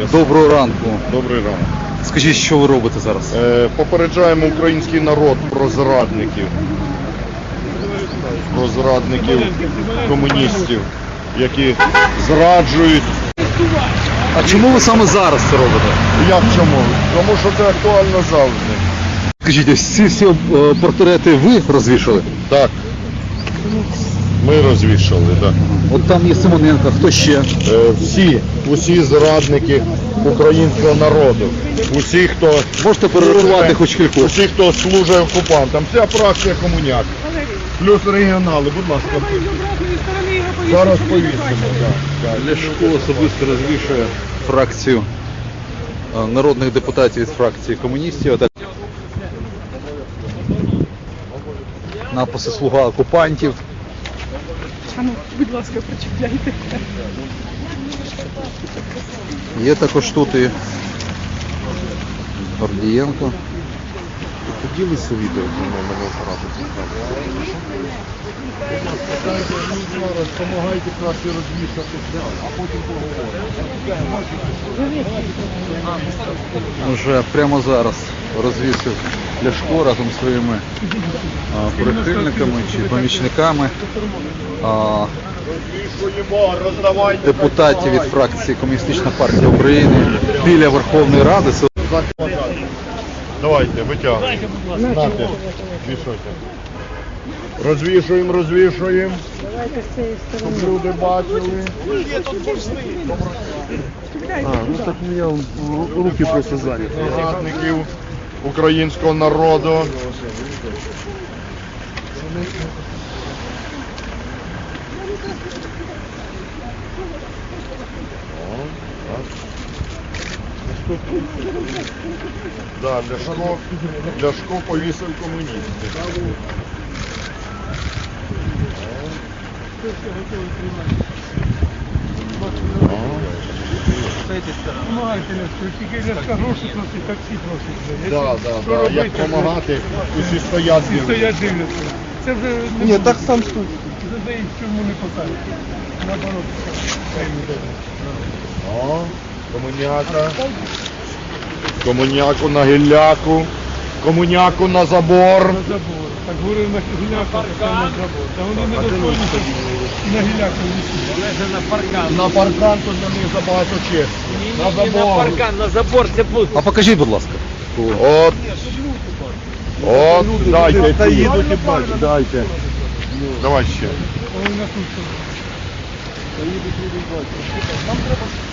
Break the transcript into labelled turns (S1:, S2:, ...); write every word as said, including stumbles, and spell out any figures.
S1: Доброго ранку.
S2: Добрий ранок.
S1: Скажіть, що ви робите зараз?
S2: Е, попереджаємо український народ про зрадників. Про зрадників комуністів, які зраджують.
S1: А чому ви саме зараз це робите?
S2: Як чому? Тому що це актуально завжди.
S1: Скажіть, ось ці всі е, портрети ви розвішали?
S2: Так. Ми розвішали, так.
S1: От там є Симоненко, хто ще?
S2: Е, всі, усі зрадники українського народу. Усі, хто...
S1: Можете перерахувати хоч кількох?
S2: Усі, хто служить окупантам. Вся фракція комуняк. Плюс регіонали, будь ласка. Зараз повісимо.
S1: Ляшко особисто розвішує фракцію е, народних депутатів від фракції комуністів. Отак. Написи «Слуга окупантів».
S3: А ну, будь ласка, прочитайте.
S1: Є також тут і Гордієнко.
S2: Поділися відео зі мною, мене оператор цікавить. Допомагайте краще розвішати, а потім поговоримо.
S1: Вже прямо зараз розвісив Ляшко разом зі своїми а, прихильниками чи помічниками а, депутатів від фракції Комуністична партія України біля Верховної Ради.
S2: Давайте, витягуйте. Знати, вішайте. Розвішуємо, розвішуємо. Щоб люди бачили.
S4: А, ну так у меня руки просто заняты.
S2: Зрадників українського народу. Да, Ляшко, Ляшко повісив комуністів.
S3: Помагайте, Ляшко, тільки Ляшка гроші просить, таксі просить.
S2: Да, да, да. Як допомагати, усі стоять.
S3: Всі стоять дивляться. Це вже не
S4: Нет,
S3: буде.
S4: так сам стой.
S3: За їх в чому не посадять. Наоборот, хай не буде.
S2: О, комуняка. Комуняку на гілляку. Комуняку на забор.
S3: На забор. Так говорив на гіляку, так на забор. Та вони не доходять на гіляку висіть.
S5: На паркан.
S2: На паркан тут на них забагато честі. На
S5: Не на
S2: забор.
S5: паркан, на забор це пусто.
S1: А покажіть, будь ласка.
S2: От. От, дайте.
S4: Та
S2: ті.
S4: їдуть і бачать.
S2: Дайте. Давай ще.
S3: Вони на тут.
S4: Та їдуть, їдуть, бачать.